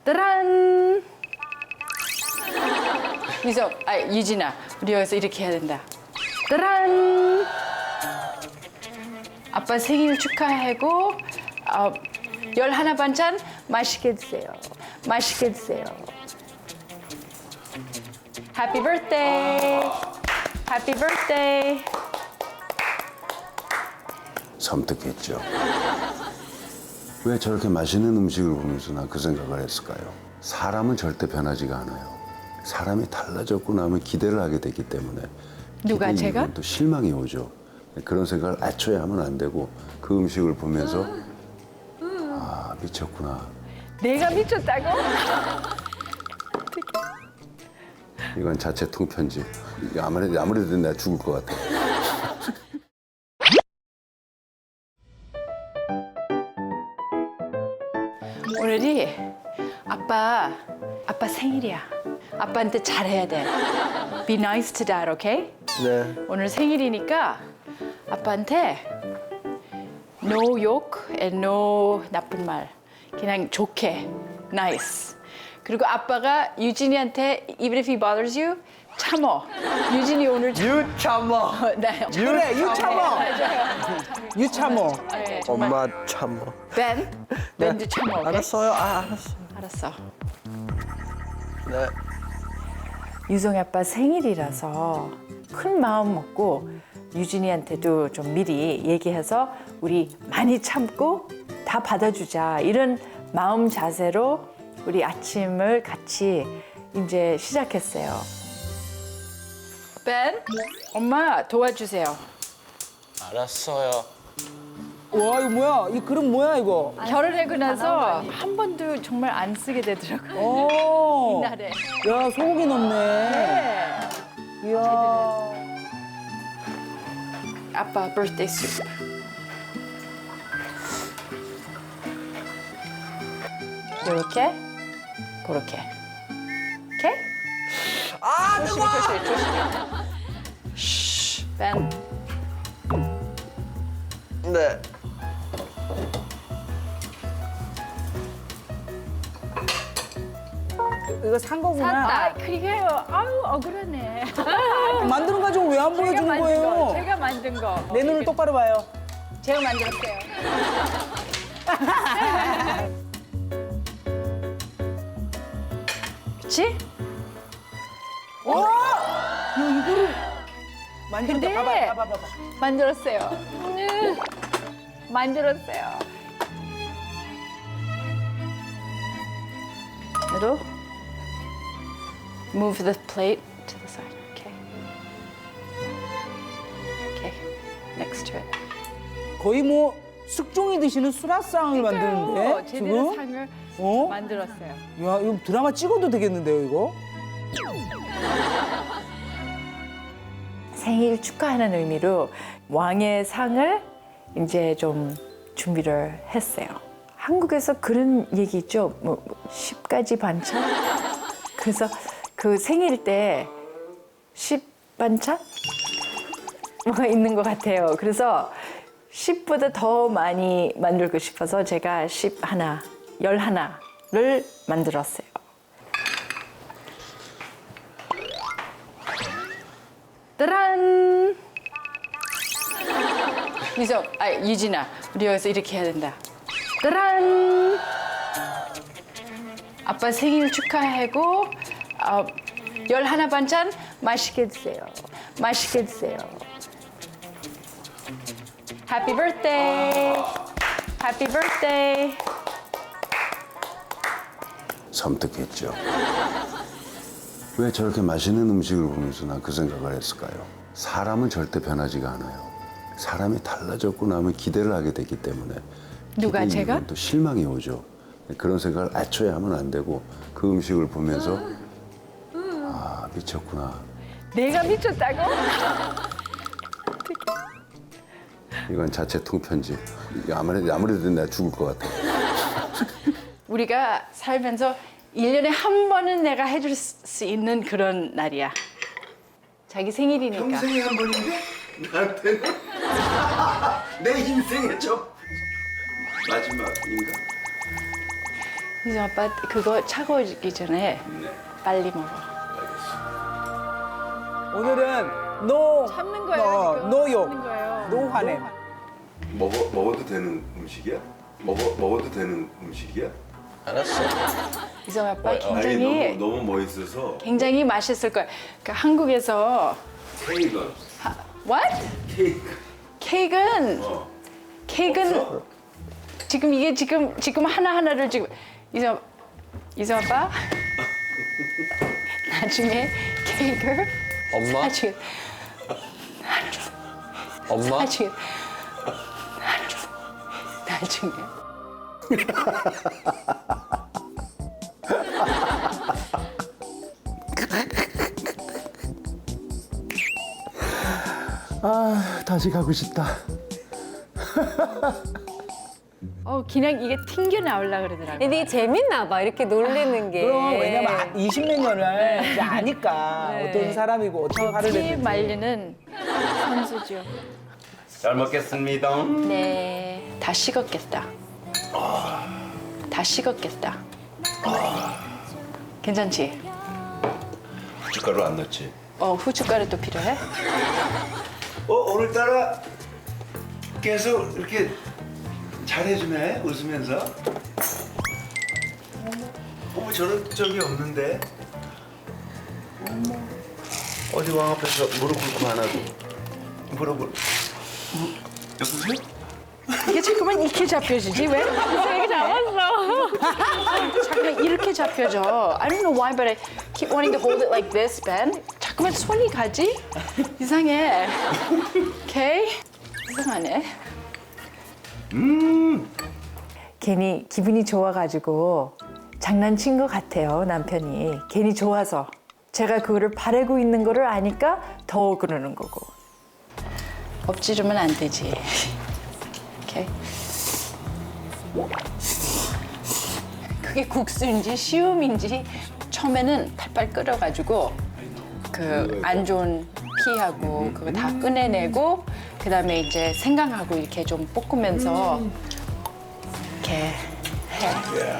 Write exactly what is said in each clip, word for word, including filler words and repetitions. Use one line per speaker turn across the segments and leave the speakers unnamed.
따란. 유석, 아 유진아, 우리 여기서 이렇게 해야 된다. 따란. 아빠 생일 축하하고 어, 열하나 반찬 맛있게 드세요. 맛있게 드세요. Happy birthday. Happy birthday.
섬뜩했죠. 왜 저렇게 맛있는 음식을 보면서 난 그 생각을 했을까요? 사람은 절대 변하지가 않아요. 사람이 달라졌고 나면 기대를 하게 되기 때문에
누가,
기대
제가?
이후엔 또 실망이 오죠. 그런 생각을 애초에 하면 안 되고 그 음식을 보면서 아 미쳤구나.
내가 미쳤다고?
이건 자체 통편집. 아무래도 아무래도 내가 죽을 것 같아.
오늘이 아빠 아빠 생일이야. 아빠한테 잘해야 돼. Be nice to dad, okay?
네.
오늘 생일이니까 아빠한테 no 욕 and no 나쁜 말. 그냥 좋게, nice. 그리고 아빠가 유진이한테 even if he bothers you, 참어. 유진이 오늘 참...
유참어.
네.
그래, 유참어. 유참어.
네, 정말.
엄마 참어.
벤, 벤도 참어. 오케이?
알았어요. 아, 알았어.
알았어.
네.
유성이 아빠 생일이라서 큰 마음 먹고 유진이한테도 좀 미리 얘기해서 우리 많이 참고 다 받아주자 이런 마음 자세로 우리 아침을 같이 이제 시작했어요. 벤, 엄마 도와주세요.
알았어요.
와, 이거 뭐야? 이 그림 뭐야, 이거?
결혼하고 나서 한 번도 정말 안 쓰게 되더라고요.
오.
이날에.
야, 소고기 넣네.
네.
이야.
아빠 birthday soup. 이렇게, 그렇게. 오케이?
아, 뜨거워!
조심히, 조심히. 쉬, 벤.
네.
이거 산 거구나.
샀다. 그게요. 아유 억울하네.
만드는 거 가지고 왜 안
제가
보여주는
만든
거예요?
거. 제가 만든 거.
내 눈을 똑바로 봐요.
제가 만들었어요. 그렇지?
와! 야, 이거를 만들었다.
근데-
봐봐, 봐봐, 봐봐.
만들었어요. 음, 만들었어요. 그리고 move the plate to the side. Okay. Okay. Next to it.
거의 뭐 숙종이 드시는 수라상을 만드는데
어, 제대로
지금?
상을
어?
만들었어요.
야, 이거 드라마 찍어도 되겠는데요, 이거?
생일 축하하는 의미로 왕의 상을 이제 좀 준비를 했어요. 한국에서 그런 얘기 있죠. 뭐 십 가지 반찬? 그래서 그 생일 때 십 반찬? 뭐가 있는 것 같아요. 그래서 십보다 더 많이 만들고 싶어서 제가 십 하나, 열 하나를 만들었어요. 따란. 유석, 아 유진아, 우리 여기서 이렇게 해야 된다. 따란. 아빠 생일 축하하고 어, 열하나 반찬 맛있게 드세요. 맛있게 드세요. Happy birthday. Happy birthday.
섬뜩했죠. 왜 저렇게 맛있는 음식을 보면서 난 그 생각을 했을까요? 사람은 절대 변하지가 않아요. 사람이 달라졌고 나면 기대를 하게 되기 때문에
누가,
기대
제가?
이후엔 또 실망이 오죠. 그런 생각을 애초에 하면 안 되고 그 음식을 보면서 아 미쳤구나.
내가 미쳤다고?
이건 자체 통편집. 아무래도 아무래도 내가 죽을 것 같아.
우리가 살면서 일 년에 한 번은 내가 해줄 수 있는 그런 날이야. 자기 생일이니까.
평생에 한 번인데 나한테는 내 인생의 첫 마지막인가?
이제 아빠 그거 차가워지기 전에
네.
빨리 먹어.
오늘은 노
참는 거예요,
어,
이거.
노욕,
참는 거예요.
노화냄.
먹어 먹어도 되는 음식이야? 먹어 먹어도 되는 음식이야?
알았어.
이성 아빠
어,
굉장히
아니 너무 너무 멋있어서.
굉장히 맛있을 거야. 그러니까 한국에서
케이크.
하, what?
케이크.
케이크는
어.
케이크는
없어?
지금 이게 지금 지금 하나 하나를 지금 이성 이성 아빠 나중에 케이크
엄마?
나중에
엄마?
나중에 나중에
아 다시 가고 싶다.
어 그냥 이게 튕겨 나올라 그러더라고.
근데 이게 재밌나 봐, 이렇게 놀리는 게.
그럼 왜냐면 이십몇 년을 이제 아니까
네.
어떤 사람이고 어떻게 화를
피
내는지.
말리는 선수죠.
잘 먹겠습니다.
네, 다 식었겠다. 다 식었겠다. 괜찮지?
고춧가루 안 넣지?
어 후춧가루도 필요해?
어 오늘따라 계속 이렇게 잘해주네 웃으면서. 어머 저런 적이 없는데. 어머 어디 왕 앞에서 무릎 꿇고 안 하고 무릎을 무, 여보세요?
이게 잠깐만 이렇게 잡혀지지 왜? 이렇게 잡았어. 잠깐만 이렇게 잡혀져. I don't know why, but I keep wanting to hold it like this, Ben. 잠깐만 손이 가지? 이상해. 오케이? 이상하네. 괜히 기분이 좋아가지고 장난친 것 같아요, 남편이. 괜히 좋아서. 제가 그거를 바라고 있는 거를 아니까 더 그러는 거고. 엎지르면 안 되지. 오케이. 그게 국수인지 시움인지 처음에는 팔팔 끓여가지고 그 안 좋은 피하고 그거 다 꺼내내고 그다음에 이제 생강하고 이렇게 좀 볶으면서 이렇게 해.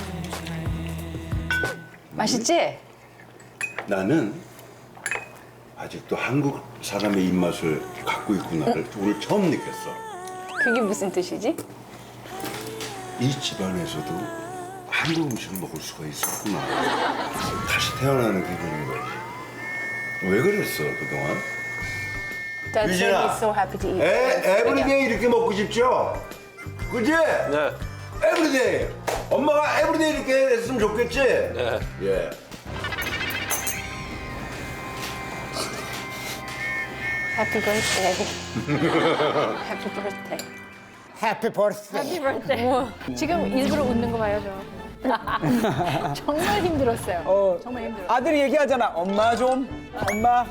맛있지?
나는 아직도 한국 사람의 입맛을 갖고 있구나를 오늘 처음 느꼈어.
그게 무슨 뜻이지?
이 집안에서도 한국 음식을 먹을 수가 있었구나. 다시 태어나는 기분인 거지. 왜 그랬어 그동안?
Dad said
유진아.
he's so happy to eat.
에 에브리데이 이렇게 먹고 싶죠? 그지?
네.
에브리데이. 엄마가 에브리데이 이렇게 했으면 좋겠지?
네.
예.
Happy birthday. Happy birthday.
해피 버스데이.
Happy birthday. 지금 일부러 웃는 거 봐요, 저. 정말 힘들었어요.
어,
정말 힘들어.
아들이 얘기하잖아. 엄마 좀. 엄마.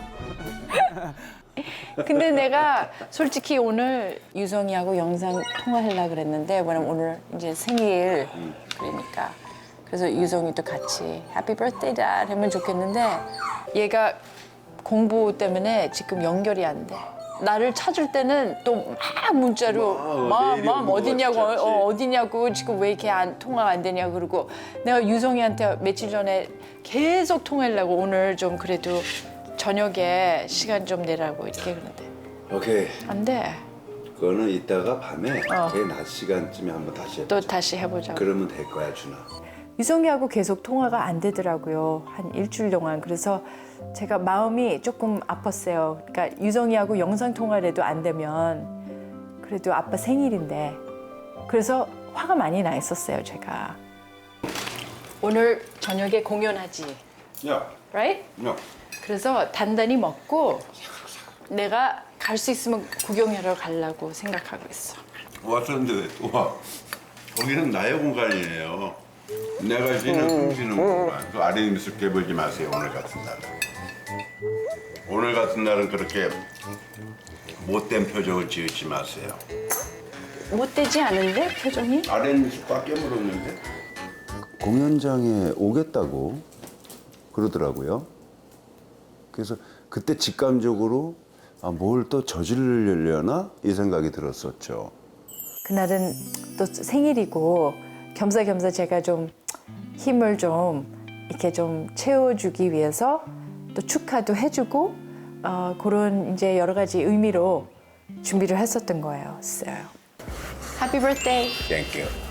근데 내가 솔직히 오늘 유성이하고 영상 통화하려고 그랬는데 왜냐면 오늘 이제 생일 그러니까 그래서 유성이도 같이 Happy birthday dad 하면 좋겠는데 얘가 공부 때문에 지금 연결이 안 돼. 나를 찾을 때는 또 막 문자로
와,
맘,
내일이
맘
오는 거
어디냐고
같지,
어, 어디냐고 지금 왜 이렇게 안, 통화가 안 되냐고 그러고 내가 유성이한테 며칠 전에 계속 통화하려고 오늘 좀 그래도 저녁에 시간 좀 내라고 이렇게 그러는데
오케이.
안 돼.
그거는 이따가 밤에
어.
제 낮 시간쯤에 한번 다시 해보자.
또 다시 해보자고.
그러면 될 거야 준아.
유성이하고 계속 통화가 안 되더라고요. 한 일주일 동안. 그래서 제가 마음이 조금 아팠어요. 그러니까 유성이하고 영상 통화를 해도 안 되면 그래도 아빠 생일인데 그래서 화가 많이 나 있었어요, 제가. 오늘 저녁에 공연하지,
야,
right?
야.
그래서 단단히 먹고 내가 갈 수 있으면 구경하러 가려고 생각하고 있어.
왔었는데 왜 또 와? 거기는 나의 공간이에요. 내가 쉬는 숨 쉬는 공간. 그 아래 입술 깨물지 마세요. 오늘 같은 날은. 오늘 같은 날은 그렇게 못된 표정을 지으지 마세요.
못되지 않은데 표정이?
아래 입술 꽉 깨물었는데. 공연장에 오겠다고 그러더라고요. 그래서 그때 직감적으로 아, 뭘 또 저지르려나 이 생각이 들었었죠.
그날은 또 생일이고 겸사겸사 제가 좀 힘을 좀 이렇게 좀 채워주기 위해서 또 축하도 해주고 어, 그런 이제 여러 가지 의미로 준비를 했었던 거예요. Happy birthday.
Thank you.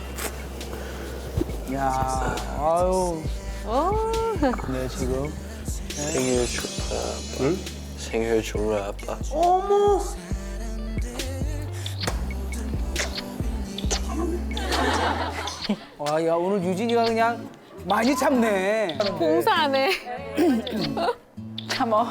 야, 아유.
어.
네, 지금.
생일 축하 아빠. 응? 생일 축하 아빠.
와, 야, 오늘 유진이가 그냥 많이 참네.
봉사하네.
참어.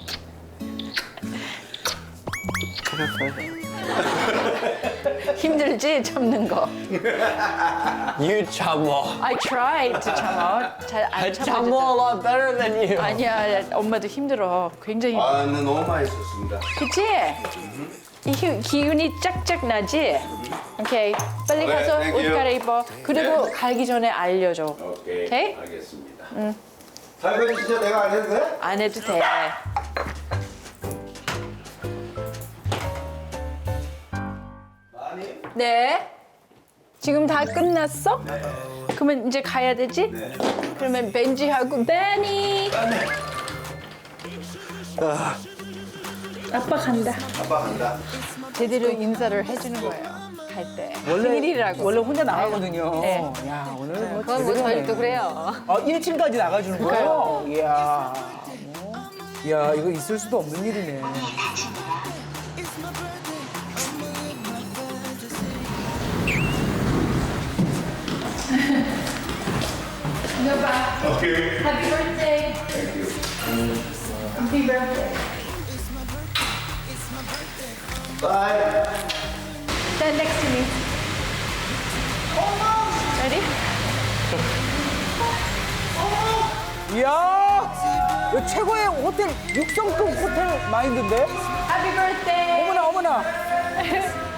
힘들지 참는 거.
You 참어.
I tried to 참어. 잘안
I 참어
참어.
a lot better than you.
아니야, 엄마도 힘들어. 굉장히.
아, 근데 너무 맛있었습니다.
그치? 이 기- 기운이 짝짝 나지? 오케이. 빨리
네,
가서
thank
옷
you.
갈아입어. 그리고 가기 전에 알려줘.
오케이.
오케이?
알겠습니다. 응. 설거지 진짜 내가 안 해도 돼?
안 해도 돼.
많이?
네. 지금 다 끝났어? 그러면 이제 가야 되지?
네.
그러면 벤지하고 베니. 아빠 간다.
아빠 간다.
제대로 인사를 해주는 거예요. 갈 때.
원래,
생일이라고.
원래 혼자 나가거든요.
네.
야, 오늘 뭐.
그건 뭐
제대로네.
저희도 그래요.
아, 일 층까지 나가주는 거예요? 이야. 뭐. 이야, 이거 있을 수도 없는 일이네.
오케이.
Happy birthday. Happy birthday.
바이.
Stand next to me. Ready?
이야. 이거 최고의 호텔, 육성급 호텔 마인드인데?
Happy birthday.
어머나, 어머나.